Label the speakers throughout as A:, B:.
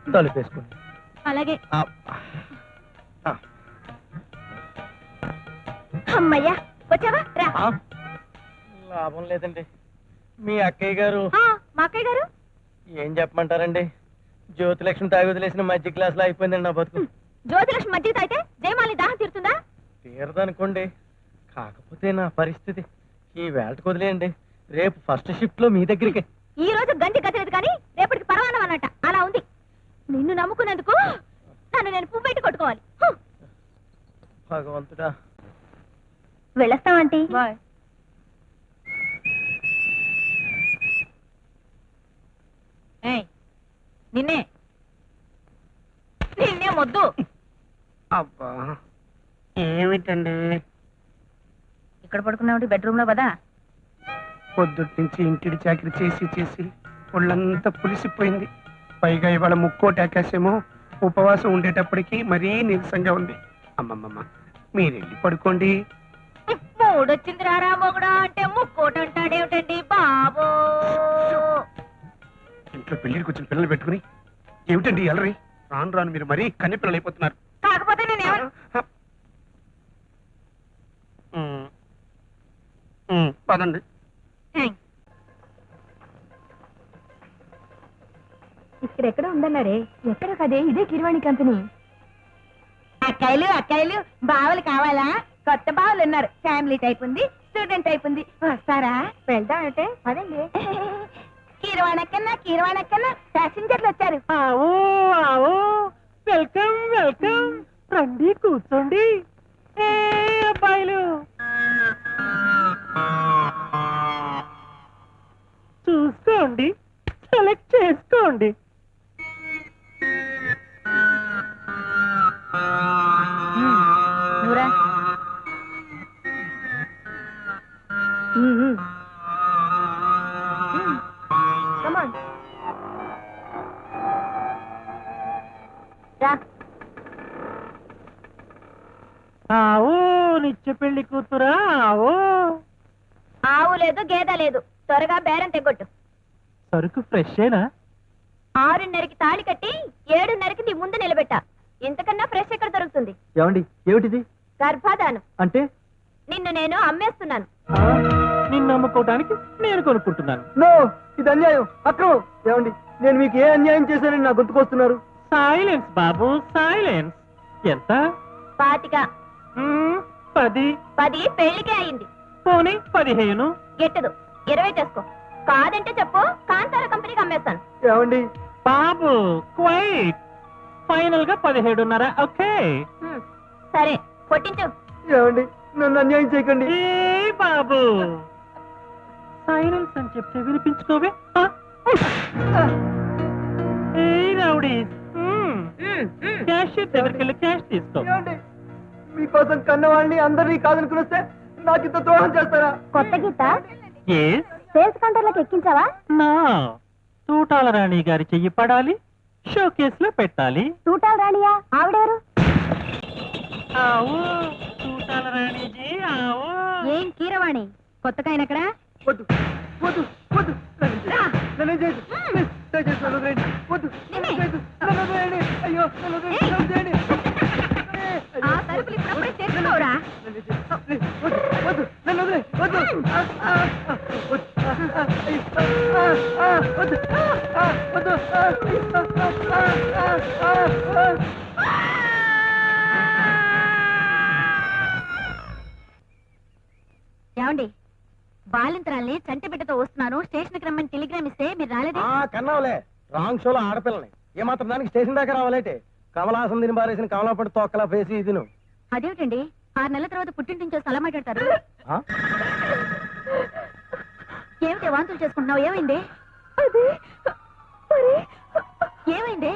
A: తలుపేసుకోండి.
B: అలాగే.
A: ఆ, ఆ,
B: అమ్మయ్యా వచ్చావా రా.
A: ఆ. లాభం లేదండి. మీ అక్కయ్య గారు
B: మా అక్కయ్య గారు
A: ఏం చెప్పమంటారండి? జ్యోతిలక్ష్మి తాగి వదిలేసిన మధ్య క్లాస్ లో అయిపోయిందండి నా బతుకు.
B: జ్యోతిలక్ష్మి మధ్య తాగితే జయమాలి దాహం తీరుతుందా?
A: తీరదనుకోండి. కాకపోతే నా పరిస్థితి ఈ వేళకు వదిలేయండి. రేపు ఫస్ట్ షిఫ్ట్ లో మీ దగ్గరికి.
B: ఈ రోజు గంజి గతలేదు కానీ రేపటికి పరవానం అన్నట్ట అలా ఉంది. నిన్ను నమ్ముకున్నందుకు నన్ను నేను పువ్వు పెట్టి కొట్టుకోవాలి.
A: భగవంతుడా.
B: వెళ్ళొస్తామంటీ. నిన్నే నిన్నే మొద్దు.
A: అబ్బా ఏమిటండి
B: ఇక్కడ పడుకున్నావు బెడ్రూమ్ లో కదా.
C: పొద్దుటి నుంచి ఇంటిడి చాకరీ చేసి చేసి ఒళ్ళంతా పులిసిపోయింది. పైగా ఇవాళ ముక్కోటి ఆకాశమో ఉపవాసం ఉండేటప్పటికి మరీ నీరసంగా ఉంది. అమ్మమ్మమ్మ మీరెళ్ళి పడుకోండి.
B: మూడొచ్చింది రారా మొగుడా అంటే ముక్కోటి అంటాడేమిటండి బాబో.
C: ఇంట్లో పెళ్లికి వచ్చిన పిల్లలు పెట్టుకుని ఏమిటండి ఎలరి? రాను రాను మీరు మరీ కన్నె పిల్లలు అయిపోతున్నారు.
B: కాకపోతే నేనేమన్నా
C: పదండి.
B: ఇక్కడెక్కడ ఉందన్నారే? ఎక్కడ కదే? ఇదే కిరవాణి కంపెనీ. అక్కాయిలు బావలు కావాలా? కొత్త బావలు ఉన్నారు. ఫ్యామిలీ టైప్ ఉంది, స్టూడెంట్ టైప్ ఉంది. వస్తారా? వెళ్దాం అంటే పదండి. కీరవాణక్కన్నా ప్యాసింజర్లు వచ్చారు.
A: Welcome welcome. రండి కూర్చోండి. అబ్బాయిలు చూసుకోండి, సెలెక్ట్ చేసుకోండి.
B: నూరా కమాన్ రా.
A: ఆవో నిత్య పెళ్లి కూతురా. ఆవో
B: ఆవు లేదు గేదె లేదు. త్వరగా బేరం తెగొట్టు.
A: సరుకు ఫ్రెషేనా?
B: 6:30కి తాళి కట్టి 7:30కి నీ ముందు నిలబెట్టా. ఇంతకన్నా ఫ్రెష్ ఎక్కడ దొరుకుతుంది?
A: ఏమండి ఏమిటిది?
B: గర్భాధానం.
A: అంటే
B: నిన్ను నేను అమ్మేస్తున్నాను.
A: నిన్ను అమ్ముకోవడానికి నేను కొనుక్కుంటున్నాను. నో, ఇది అన్యాయం, అక్రమం. ఏమండి నేను మీకు ఏ అన్యాయం చేశానని నా గుర్తుకొస్తున్నారు? సైలెన్స్ బాబు, సైలెన్స్. ఎంత?
B: 25.
A: 10.
B: 10 పెళ్లికే అయింది.
A: పోనీ 15.
B: గెట్టదు. 20 చేసుకో. కాదంటే చెప్పు, కాంతార కంపెనీకి అమ్మేస్తాను.
A: ఏమండి బాబు క్వైట్. ఫైనల్ గా 17.5. ఓకే
B: సరే కొట్టించు.
A: ఏమండి నన్ను అన్యాయం చేయకండి. ఏ బాబు సైలెన్స్ అని చెప్తే వినిపించుకోవే. ఏ రౌడీ, క్యాష్ దగ్గరికి వెళ్ళి క్యాష్ తీసుకో. మీకోసం కన్నవాళ్ళని అందరినీ కాదనుకుని వస్తే నాకు ఇంత ద్రోహం చేస్తారా?
B: కొత్త గీత
A: Yes.
B: సేల్స్ కౌంటర్లోకి ఎక్కించావా?
A: నా తూటాల రాణి గారి చెయ్యి పడాలి, షో కేస్ లో పెట్టాలి.
B: తూటాల రాణియా? ఆవిడెవరు?
A: ఆవో తూటాల రాణిజీ, ఆవో.
B: ఏం కీరవాణి కొత్తగా ఆయన ఎక్కడ?
A: వద్దు వద్దు వద్దు, నన్ను చేయదు. దయచేసి నన్ను వదిలేయండి. వద్దు, నన్ను చేయదు. నన్ను వదిలేయండి. అయ్యో నన్ను వదిలేయండి. నన్ను వదిలేయండి.
B: ఆ సరుకులు ఇప్పుడప్పుడే తెచ్చుకోరా?
A: వద్దు వద్దు, నన్ను వదిలే. వద్దు వద్దు వద్దు.
B: ఏమండి బాలింతరాల్ని చంటి బిడ్డతో వస్తున్నాను, స్టేషన్ కి రమ్మని టెలిగ్రామ్ ఇస్తే మీరు రాలేదే?
A: కన్నావులే, రాంగ్ షోలో ఆడపిల్లని ఏమాత్రం దానికి స్టేషన్ దాకా రావాలంటే కమలాసం తిని బారేసిన కమలాపడి తొక్కలా పేసి ఇది నువ్వు.
B: అదేమిటండి 6 నెలల తర్వాత పుట్టింటించో స్థలం మాట్లాడతారు. ఏమిటి వాంతులు చేసుకుంటున్నావు? ఏమైంది? ఏమైంది?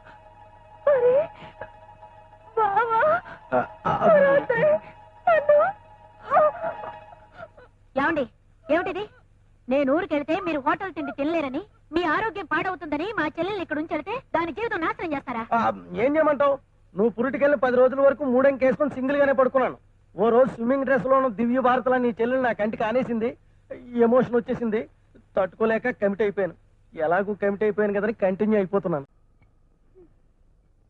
B: ఏమండి ఏమిటిది? నేను ఊరికెళ్తే మీరు హోటల్ తిండి తినలేరని, మీ ఆరోగ్యం పాడవుతుందని మా చెల్లెల్ని ఇక్కడ ఉంచెడితే దాని జీవితం నాశనం చేస్తారా? ఏం చేయమంటావు? నువ్వు పురిటికెళ్ళి 10 రోజుల వరకు మూడెంకేసుకొని సింగిల్ గానే పడుకున్నాను. ఓ రోజు స్విమ్మింగ్ డ్రెస్ లోను దివ్య భారతలా నీ చెల్లెలు నా కంటికి ఆనేసింది. ఎమోషన్ వచ్చేసింది, తట్టుకోలేక కమిట్ అయిపోయాను. ఎలాగూ కమిట్ అయిపోయాను కదని కంటిన్యూ అయిపోతున్నాను.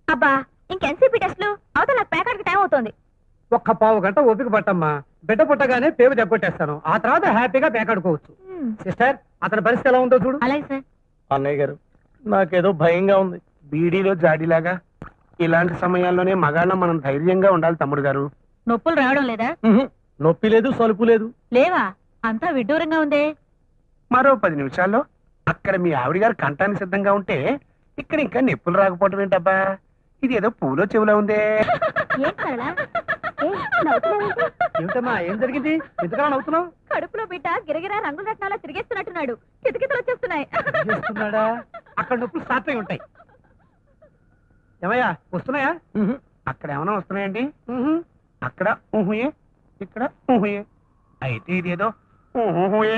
B: అబ్బా ఇంకెన్సీపీ టెస్ట్లు అవతల నాకు ప్యాకెట్కి టైం అవుతోంది.
A: ఒక్క పావు గంట ఓపిక పట్టమ్మా. బిడ్డ పుట్టగానే పేరు దెబ్బకొట్టేస్తాను. ఆ తర్వాత హ్యాపీగా పేకాడుకోవచ్చు. సిస్టర్, అతని పరిస్థితి ఎలా ఉందో చూడు.
B: అలాగే సార్.
D: అన్నయ్య గారు, నాకేదో భయంగా ఉంది.
C: బీడీలో జాడీలాగా ఇలాంటి సమయాల్లోనే మగాళ్ళం మనం ధైర్యంగా ఉండాలి తమ్ముడు గారు.
B: నొప్పులు రావడం లేదా?
D: నొప్పి లేదు, సలుపు లేదు.
B: లేవా? అంతా విడ్డూరంగా ఉందే.
C: మరో 10 నిమిషాల్లో అక్కడ మీ ఆవిడ గారు కంటానికి సిద్ధంగా ఉంటే ఇక్కడ ఇంకా నొప్పులు రాకపోవటం ఏంటబ్బా? ఇది ఏదో పూలో చెవులో ఉందే.
A: ఏమిటమ్మా, ఏం జరిగింది? ఎందుకలా నవ్వుతున్నావు?
B: కడుపులో బిడ్డ గిరగిరా రంగుల రత్నాలా తిరిగేస్తున్నట్టున్నాడు. కితకితలు వచ్చేస్తున్నాయి.
A: చేస్తున్నాడా? అక్కడ నొప్పులు స్టార్ట్ అయి ఉంటాయి. ఏమయ్యా, వస్తున్నాయా?
C: అక్కడ ఏమైనా వస్తున్నాయండి? అక్కడ ఊహుయే, ఇక్కడ ఊహుయే. అయితే ఇదేదో ఊహుయే.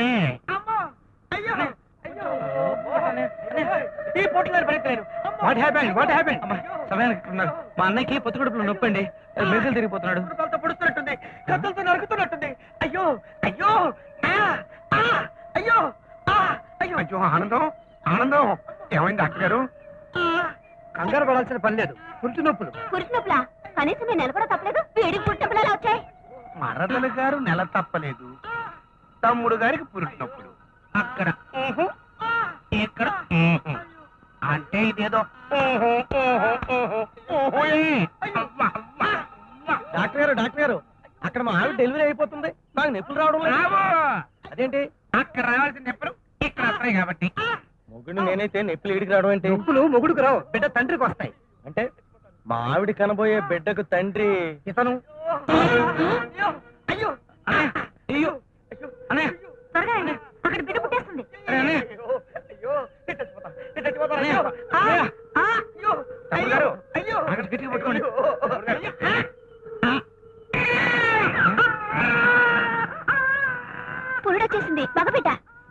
A: What happened? What happened?
D: సమయానికి ఉన్నాడు. మా అన్నయ్యకి పొత్తు కడుపులో నొప్పండి, మెజలు తిరిగిపోతున్నాడు.
A: పొడుస్తున్నట్టుంది, కత్తులతో నరుకుతున్నట్టుంది. అయ్యో అయ్యో అయ్యో
C: అయ్యో ఆనందం, ఆనందం. ఏమైంది డాక్టర్ గారు?
A: కంగారు పడాల్సిన పని లేదు. పురుటి నొప్పులు.
B: పురుషునొప్పులా? కనీసం నేను నెల కూడా తప్పలేదు. వేడికి పుట్టినప్పుడు అలా వచ్చాయి.
C: మరదల గారు నెల తప్పలేదు, తమ్ముడు గారికి పురుటినప్పుడు. అక్కడ ఊహు, ఇక్కడ ఊహు. అంటే ఇదేదో ఊహు, ఊహు, ఊహు, ఊహుయే. అవ్వ, అవ్వ, అవ్వ.
D: డాక్టర్ గారు, డాక్టర్ గారు, అక్కడ మా ఆవిడ డెలివరీ అయిపోతుంది. నాకు నొప్పులు రావడం లేదు.
C: రావు.
D: అదేంటి?
C: అక్కడ రావాల్సిన నొప్పులు ఇక్కడ వస్తాయి కాబట్టి.
D: మొగుడు నేనైతే నొప్పులు ఈడికి రావడం ఏంటి?
A: నొప్పులు మొగుడుకు రావు, బిడ్డ తండ్రికి వస్తాయి.
D: అంటే మా ఆవిడ కనబోయే బిడ్డకు తండ్రి
A: ఇతను.
C: అయ్యో అయ్యో అన్నయ్య,
B: త్వరగా రండి. అక్కడ బిడ్డ పుట్టేస్తుంది.
C: అన్నయ్య, తమ్ముడు గారు, అక్కడ గట్టిగా పట్టుకోండి.
B: పురుడొచ్చేసింది. మగబిడ్డ.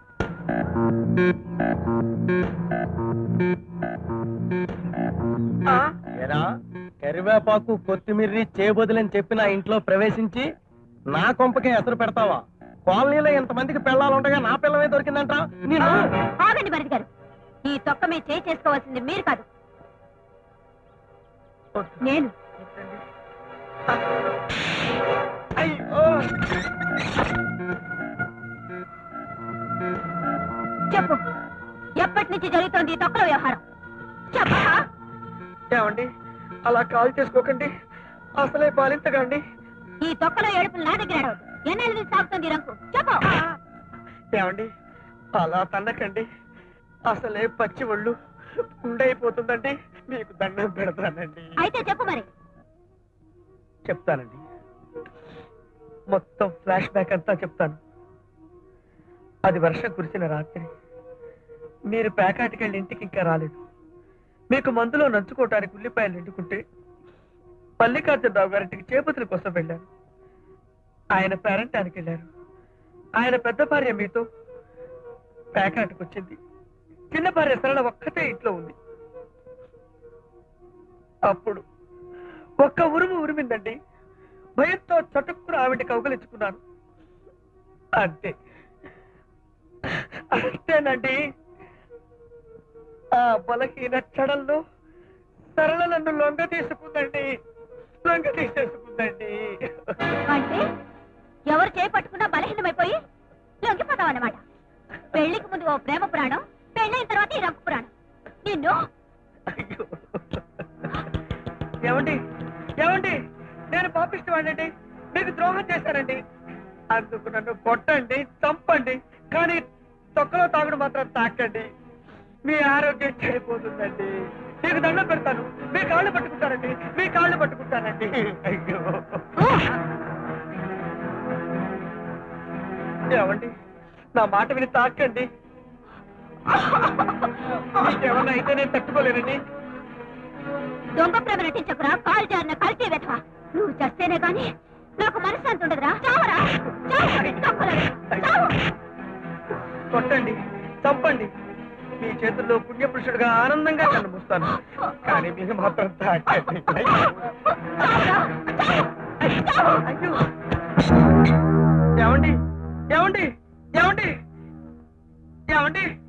D: ఎరా, కరివేపాకు కొత్తిమీర్రి చేయబోదులని చెప్పి నా ఇంట్లో ప్రవేశించి నా కొంపకే ఎసరు పెడతావా? కాలనీలో ఎంతమందికి పెళ్ళాలుండగా నా పిల్లమే దొరికిందంట. నేను
B: ఆగండి భరత్ గారు. ఈ తొక్క మీద చేయి చేసుకోవాల్సింది మీరు కాదు, నేను. చెప్పు, ఎప్పటి నుంచి జరుగుతోంది ఈ తొక్కల వ్యవహారం? చెప్పా.
A: ఏమండి, అలా కాల్ చేసుకోకండి. అసలే బాలింతకండి.
B: ఈ తొక్కలో ఏడుపులు నా దగ్గర ఏడవద్దు. ఎన్నెల నుంచి సాగుతుంది ఈ రంకు? చెప్పు.
A: ఏమండి, అలా తన్నకండి. అసలే పచ్చి ఒళ్ళు ఉండైపోతుందండి. మీకు దండం పెడతానండి.
B: అయితే చెప్పు మరి.
A: చెప్తానండి, మొత్తం ఫ్లాష్ బ్యాక్ అంతా చెప్తాను. అది వర్షం కురిసిన రాత్రి. మీరు ప్యాకాటికెళ్ళి ఇంటికి ఇంకా రాలేదు. మీకు మందులో నంచుకోవటానికి ఉల్లిపాయలు ఎండుకుంటే మల్లికార్జునరావు గారింటికి చేపతుల కోసం వెళ్ళారు. ఆయన పేరంటానికి వెళ్ళారు. ఆయన పెద్ద భార్య మీతో ప్యాకాటికి వచ్చింది. చిన్న భార్య సరళ ఒక్కతే ఇంట్లో ఉంది. అప్పుడు ఒక్క ఉరుము ఉరిమిందండి. భయంతో చటుక్కున ఆవిడ కౌగలించుకున్నాను. అంతే, అంతేనండి. ఆ బలహీన క్షణంలో సరళ నన్ను లొంగ తీసుకుందండి. లొంగ తీసేసుకుందండి.
B: అంటే ఎవరు చేపట్టుకున్నా బలహీనమైపోయి లొంగిపోతావన్నమాట. పెళ్లికి ముందు ఓ ప్రేమ పురాణం, పెళ్ళైన తర్వాత ఈ రంకు పురాణం. నిన్ను
A: అయ్యో. ఏమండి, ఏమండి, నేను పాపిస్తానండి. మీకు ద్రోహం చేశానండి. అందుకు నన్ను కొట్టండి, చంపండి, కానీ తొక్కలో తాగుడు మాత్రం తాకండి. మీ ఆరోగ్యం చెడిపోతుందండి. మీకు దండం పెడతాను. మీ కాళ్ళు పట్టుకుంటానండి. మీ కాళ్ళు పట్టుకుంటానండి. అయ్యో. ఏమండి, నా మాట విని తాకండి. మీకేమన్నా అయితే నేను తట్టుకోలేనండి.
B: దొంగ ప్రేమ నటించకురా. కాలు జారిన కల్తీ వెధవా. నువ్వు చస్తేనే గాని నాకు మనశ్శాంతి ఉండదురా. చావరా, చావు.
A: కొట్టండి, చంపండి. మీ చేతుల్లో పుణ్యపురుషుడిగా ఆనందంగా కన్ను మూస్తాను. కానీ మీకు మాత్రం తాకండి. అయ్యో. ఏమండి, ఏమండి, ఏమండి, ఏమండి,